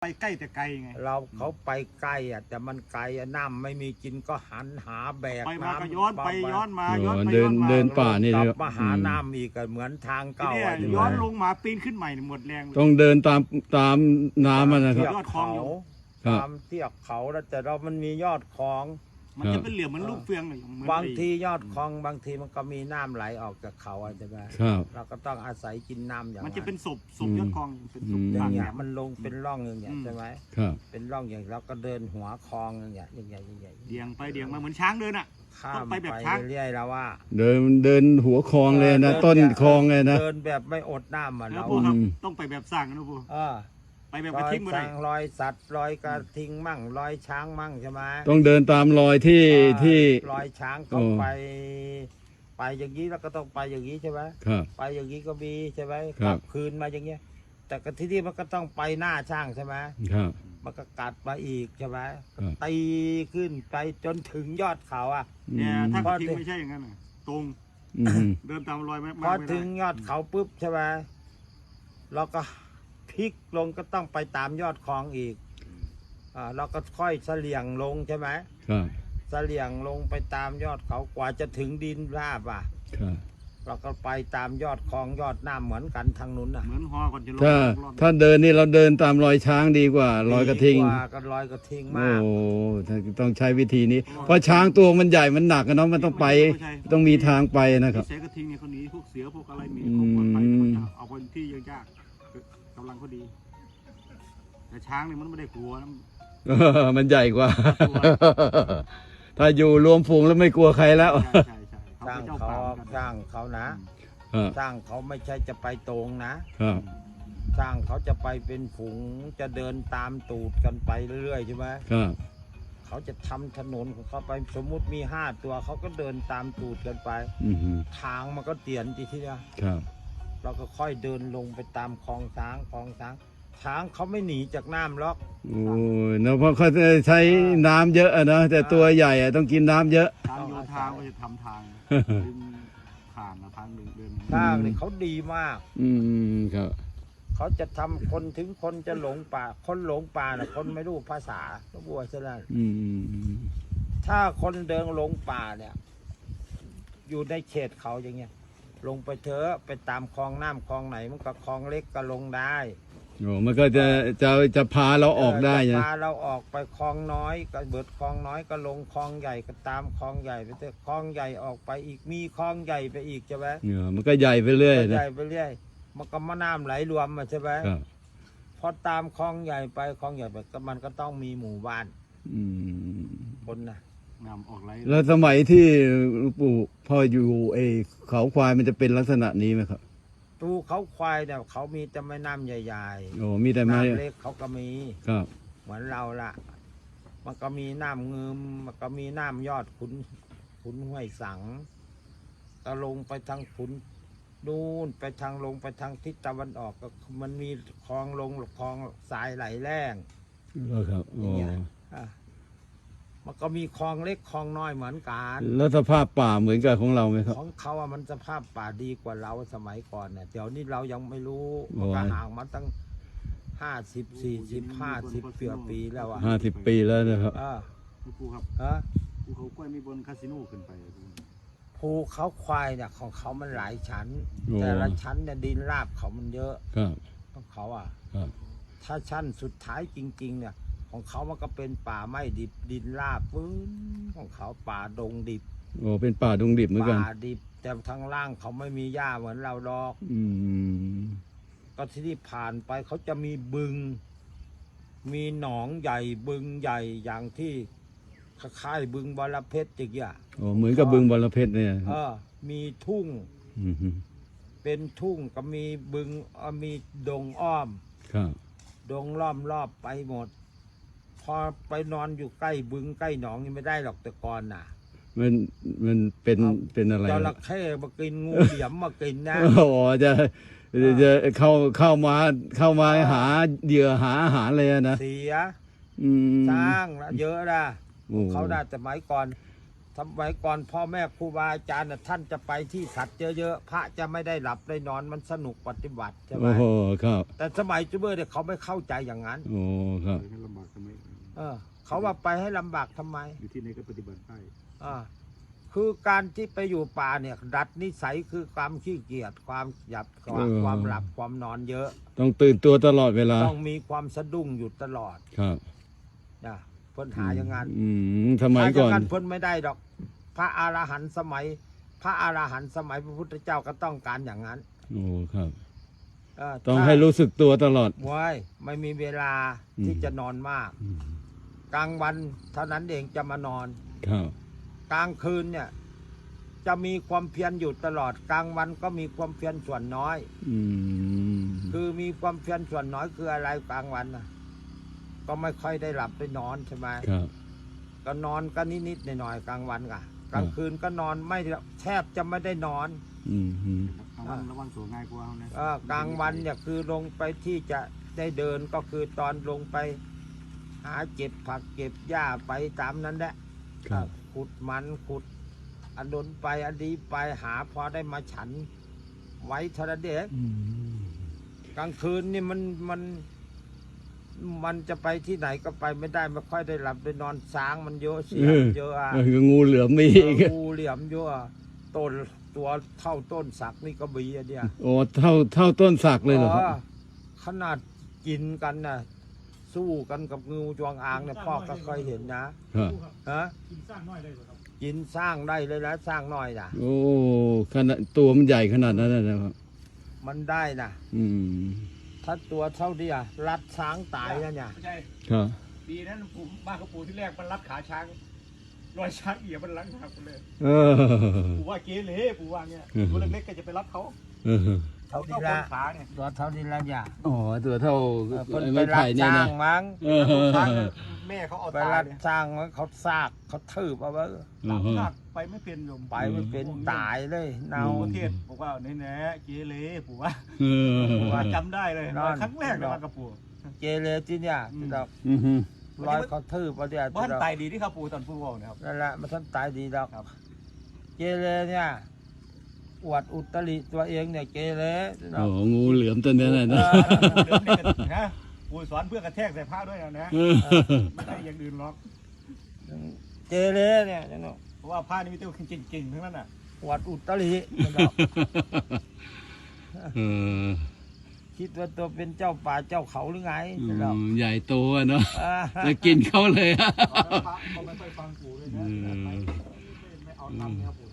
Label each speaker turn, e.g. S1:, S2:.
S1: ไปใกล้แต่ไกลไง
S2: เขาไปใกล้อ่ะแต่มันไกลน้ำไม่มีกินก็หันหาแบก
S1: ไปมา
S2: น้ำ
S1: ก็ย้อนไปย้อนมาย้อนไป
S3: เดิ
S1: ย้อน นมา
S3: เดินป่านี่
S2: ก
S3: เล
S2: ลั
S3: ย
S2: บมาหาน้ำอีกเหมือนทางเก่า
S1: เนี่ยย้อนลงมาปีนขึ้นใหม่หมดแรง
S3: ต้องเดินตามน้ำมันนะครับ
S1: ยอดคลองอยู่
S3: ครับ
S2: ตามเทือกเขาแล้วแต่เรามันมียอดคลอง
S1: มันจะเป็นเหลี่ยมเหมือนลูกเฟืองเลยเหมือน
S2: บางทียอดคลองบางทีมันก็มีน้ำไหลออกจากเขาใช่ไหม
S3: ครับ
S2: เราก็ต้องอาศัยกินน้ำอย่าง
S1: มันจะเป็นศพยอดคลองเป็นศพ
S2: อย่า
S1: ต่าง ง
S2: เงี้ย
S1: ๆ
S2: มันลงเป็นร่องอย่างเงี้ยใช่ไหม
S3: ครับ
S2: เป็นร่องอย่างเราก็เดินหัวคลองอย่างเงี้ยอย่างเงี้ย
S1: เดียงไปเดียงมาเหมือนช้างเดินอ่ะ
S2: ข้า
S1: ต้อ
S2: ม
S1: งไป
S2: ไป
S1: แบบช้าง
S2: เรื่อยๆแล้วว่า
S3: เดินหัวคลองเลยนะต้นคลองเลยนะ
S2: เดินแบบไม่อดน้ำอ่ะ
S1: แล้ว
S2: เรา
S1: พวกครับ
S3: อืม
S1: ต้องไปแบบสร้างนะพวก ไปแบบ
S2: ร
S1: กระ
S2: อย
S1: ทิ้งมาเล
S2: ช้าย งรอยสัตว์รอยกระทิงมั่งรอยช้างมั่งใช่ไหม
S3: ต้องเดินตามรอยที่
S2: รอยช้างเขา
S3: โอ้
S2: ไปอย่างนี้แล้วก็ต้องไปอย่างนี้ใช่ไหม
S3: ครับ
S2: ไปอย่างนี้ก็มีใช่ไหม
S3: ครั
S2: ก
S3: บ
S2: ลับคืนมาอย่างเงี้ย แต่ก็ที่นี่มันก็ต้องไปหน้าช่างใช่ไหม
S3: ครับ
S2: มันก็กัดมาอีกใช่ไหม
S3: ครับ
S2: ตีขึ้นไปจนถึงยอดเขาอ่ะ
S1: เนี่ยถ้ากระทิ้ง
S2: อืม
S1: ไม่ใช่อย่างนั้นน่ะตรง
S3: อืม
S1: เดินตามรอยไม่
S2: พอ
S1: ไม่
S2: ถึ
S1: ได้
S2: งยอดเขาปุ๊บใช่ไหมเราก็พลิกลงก็ต้องไปตามยอดคลองอีกเราก็ค่อยเสลี่ยงลงใช่ไหม
S3: ครับ
S2: เสลี่ยงลงไปตามยอดเขากว่าจะถึงดินราบอ่ะ
S3: ครับ
S2: เราก็ไปตามยอดคลองยอดน้ำเหมือนกันทางนู้นอ่ะ
S1: เหมือนฮอก่อนจะลง
S3: ถ้าเดินนี่เราเดินตามรอยช้างดีกว่ารอยกระทิง
S2: ดีกว่าก็รอยกระทิง
S3: โอ้
S2: มาก
S3: ต้องใช้วิธีนี้ เพราะช้างตัวมันใหญ่มันหนักอะเนาะมันต้องไปต้องมีทางไปนะครับ
S1: เสือกระทิงเนี่ยเขาหนีพวกเสือพวกอะไรหนี
S3: อืม
S1: เขาปลอดภัยเขาจะเอาคนที่ยากๆกำลังเขาดี แต่ช้างเนี่ยมันไม่ได้กลัวนะ
S3: มันใหญ่กว่า
S1: กลัว
S3: ถ้าอยู่รวมฝูงแล้วไม่กลัวใครแล้ว
S1: ใช่เขา
S2: ช่าง
S1: เป็นเจ้า
S2: เขา
S1: ป่าเหมือนกัน
S2: ช่างเขานะ
S3: ครับ
S2: ช่างเขาไม่ใช่จะไปตรงนะ
S3: ครับ
S2: ช่างเขาจะไปเป็นฝูงจะเดินตามตูดกันไปเรื่อยๆใช่ไหม
S3: ครับ
S2: เขาจะทำถนนของเขาไปสมมุติมี5 ตัวเขาก็เดินตามตูดกันไป
S3: อือฮึ
S2: ทางมันก็เตียนทีทีเดียว
S3: ครับ
S2: เราก็ค่อยเดินลงไปตามคลองช้างช้างเขาไม่หนีจากน้ำหรอก
S3: โอ้ยเนอะเพราะเขาจะใช้น้ำเยอะอะเนอะแต่ตัวใหญ่อะต้องกินน้ำเยอะ
S1: ทางโยธาก็จะทำทางดึงผ่านทางเดิน
S2: ช้างนี่เขาดีมาก
S3: อืมครับ
S2: เขาจะทำคนถึงคนจะหลงป่า คนหลงป่าน่ะคนไม่รู้ภาษาก็บัวซะแล้ว
S3: อืม
S2: ถ้าคนเดินหลงป่าเนี่ย อยู่ในเขตเขาอย่างเงี้ย ลงไปเถอะไปตามคลองน้ำคลองไหนมันก็คลองเล็กก็ลงได้
S3: โอ้มันก็จะพาเราออกได้
S2: จะ
S3: นะ
S2: พาเราออกไปคลองน้อยก็เบิดคลองน้อยก็ลงคลองใหญ่ก็ตามคลองใหญ่ไปเถอะคลองใหญ่ออกไปอีกมีคลองใหญ่ไปอีกใช่ไหม
S3: มันก็ใหญ่ไปเรื่อย
S2: ให
S3: นะ
S2: ญ่ไปเรื่อยมันก็มาน้ำไหลรวมมาใช่ไหม
S3: ครับ
S2: พอตามคลองใหญ่ไปคลองใหญ่ไปก็มันก็ต้องมีหมู่บ้าน
S3: อืม
S2: คนนะ
S1: งามออกไร
S3: แล้วสมัยที่หลวงปู่พ่ออยู่เขาควายมันจะเป็นลักษณะนี้ไหมครับ
S2: ตูเขาควายเนี่ยเขามีแต่แม่น้ำใหญ่
S3: โอ้มีแต่
S2: ๆ
S3: ไม้
S2: น้ำเล็กเขาก็มี
S3: ครับ
S2: เหมือนเราละมันก็มีน้ำเงิมมันก็มีน้ำยอดขุนห้วยสัง ก็ลงไปทางขุนนู่นไปทางลงไปทางทิศตะวันออกก็มันมีคลองลงคลองสายไหลแรง
S3: ครับโอ้
S2: อ่ะมันก็มีคลองเล็กคลองน้อยเหมือนกัน
S3: แล้วสภาพป่าเหมือนกับของเราไหมครับ
S2: ของเขาอะมันสภาพป่าดีกว่าเราสมัยก่อนเนี่ยเดี๋ยวนี้เรายังไม่รู้
S3: โอ้
S2: มัน
S3: ย
S2: ก็ห่างมาตั้ง50 40 50ปีแล้วอะ
S3: 50 ปีแล้วนะครับ
S1: ครูครับ
S2: ฮะ
S1: ภูเขากล้วยมีบนคาสิโนขึ้นไป
S2: ภูเขาควายเนี่ยของเขามันหลายชั้น
S3: โอ้
S2: แต่ละชั้นเนี่ยดินราบเขามันเยอะ
S3: ครับ
S2: ของเขาอะ
S3: ครับ
S2: ถ้าชั้นสุดท้ายจริง ๆ เนี่ย ของเขามันก็เป็นป่าไม้ดิบดินราบปื้นของเขาป่าดงดิบ
S3: โอ้เป็นป่าดงดิบเหมือนกัน
S2: ป่าดิบ แต่ทางล่างเขาไม่มีหญ้าเหมือนเราดอก
S3: อืม
S2: ก็ที่นี่ผ่านไปเขาจะมีบึง มีหนองใหญ่บึงใหญ่อย่างที่คล้ายๆบึงบรเพชรอย่างเงี้ย
S3: โอ้เหมือนกับบึงบรเพชรเนี่ย
S2: มีทุ่ง
S3: อืม
S2: เป็นทุ่งก็มีบึงมีดงอ้อม
S3: ครับ
S2: ดงล้อมรอบไปหมด พอไปนอนอยู่ใกล้บึงใกล้หนองนี่ไม่ได้หรอกแต่ก่อนน่ะ
S3: มันเป็นอะไร
S2: จระเข้มากินงูเหลี่ยมมากินนะ
S3: โอ้จะเข้ามาหาเหยื่อหาอาหารเลยนะ
S2: เสีย
S3: อืม
S2: สร้างละเยอะนะ
S3: โอ้
S2: เขาได้แต่ไม้ก่อนสมัยก่อนพ่อแม่ครูบาอาจารย์น่ะท่านจะไปที่สัตว์เยอะๆพระจะไม่ได้หลับได้นอนมันสนุกปฏิบัติใช่ไหม
S3: โอ้โหครับ
S2: แต่สมัยจูเบอร์เนี่ยเขาไม่เข้าใจอย่างนั้น
S3: โอ้ครับ
S1: ให้ลำบากทำไม
S2: เขาว่าไปให้ลำบากทำไม
S1: อยู่ที่ไหนก็ปฏิบัติได้
S2: คือการที่ไปอยู่ป่าเนี่ยดัดนิสัยคือความขี้เกียจความหยับความหลับความนอนเยอะ
S3: ต้องตื่นตัวตลอดเวลา
S2: ต้องมีความสะดุ้งอยู่ตลอด
S3: ครับ
S2: นะเพิ่นหาอย่างนั้น
S3: สมัยก่อน
S2: ถ้าอย่างนั้นเพิ่นไม่ได้ดอก พระอรหันต์สมัย พระอรหันต์สมัยพระพุทธเจ้าก็ต้องการอย่างนั้น
S3: โอ้ครับ
S2: เ
S3: ต้องให้รู้สึกตัวตลอด
S2: ไว้ไม่มีเวลาที่จะนอนมาก กลางวันเท่านั้นเองจะมานอน
S3: ครับ
S2: กลางคืนเนี่ยจะมีความเพียรอยู่ตลอด กลางวันก็มีความเพียรส่วนน้อย คือมีความเพียรส่วนน้อยคืออะไรกลางวันนะก็ไม่ค่อยได้หลับได้นอนใช่ไหม
S3: ครับ
S2: ก็นอนก็นิดๆหน่อยๆกลางวันกะกลางคืนก็นอนไม่แทบจะไม่ได้นอน
S1: ระวังตัวง่ายกว่านะ
S2: กลางวันเนี่ยคือลงไปที่จะได้เดินก็คือตอนลงไป หาเก็บผักเก็บหญ้าไปตามนั้นแหละ
S3: ครับ
S2: ขุดมันขุดอันดนไปอันดีไปหาพอได้มาฉัน ไว้เทระเด็กกลางคืนนี่มันจะไปที่ไหนก็ไปไม่ได้ไม่ค่อยได้หลับได้นอนช้างมันเยอะเสียงเยอะอ่ะ
S3: งูเหลือมมีอีก
S2: งูเหลี่ยมเยอะอะต้นตัวเท่าต้นสักนี่ก็บีอะเนี่ย
S3: โอ้เท่าต้นสักเลยเหรอครับ
S2: ขนาดกินกันนะสู้กันกับงูจวงอางเนี่ยพ่อก็เคยเห็นนะครับ ฮะ
S1: กินสร้างน้อยได้หรอครับ
S2: กินสร้างได้เลยนะสร้างน้อยนะ
S3: โอ้ขนาดตัวมันใหญ่ขนาดนั้นนะครับ
S2: มันได้นะ
S3: อืม
S2: ถ้าตัวเท่าเดียรัดช้างตายนะเนี่ย
S1: ไม่ใช่
S3: ครับ
S1: ดีนั้นผมบ้านกับปู่ที่แรกมันรัดขาช้างรอยช้างเอี่ยมันลังหักเลย
S3: เออ
S1: ปู่ว่าเกเรปู่ว่าเนี่ยตัวเล็กๆก็จะไปรับเขา
S3: เออ
S2: เท่า
S1: เขา
S2: นี้
S1: ต้
S2: ละ
S1: นขาเนี่ย
S2: ตัวเท่านี้ละเนี่ย
S3: อ๋อตัวเท่า
S2: เพิ่นไป
S3: ไม้
S2: รั
S3: ไผ่
S2: ด
S3: เนี่ย
S2: ช้า
S3: นะ
S2: งมั้ง
S3: เออ
S1: ช้างแม่เขาเอา
S2: ไป
S1: ตา
S2: รัด
S1: เนี่ย
S2: ช้างมั้งเขาซากเขาทืบเอาไว้
S1: หักไปไม่เป็นโยม
S2: ไปไม่เป็นตายเลยเน่า
S1: ประเทศบอกว่าแน่ๆเกเรปู่ว่า
S3: เออ
S1: ปู่ว่าจำได้เลยครั้งแรกเลยมากับปู่
S2: เจเลที่เนี่ยที่ดอก
S3: อือฮึ
S2: รอยเขาทืบเอาเดียว
S1: บ้าน
S2: ที่ดอก
S1: ตายดีที่ครับปู่ตอนปู่บอกนะครับ
S2: นั่นแหละมันท่านตายดีดอก
S1: ครับ
S2: เจเลเนี่ยอวดอุตริตัวเองเนี่ยเจเลที่ดอ
S3: โอ้
S2: ก
S3: งูเหลือมตัวนี้นะ
S1: เดินนี่นะปู่สอนเพื่อกระแทกใส่ผ้าด้วยนะ
S3: เออ
S1: ไม่ได้อย่างอื่นหรอก
S2: เจเลเนี่ยจังเนาะ
S1: เพราะว่าผ้านี่มีแต่เก่งๆทั้งนั้นน่ะ
S2: อวดอุตริที่ดอก
S3: เออ
S2: คิดว่าตัวเป็นเจ้าป่าเจ้าเขาหรือไงที่ดอก
S3: ใหญ่โตอะเนาะ
S2: อ่า
S3: จะกินเขาเลยอะ
S1: พระเขาไม่ค่อยฟังปู่เลยนะไม่เอาทำเนี่ยครับปู่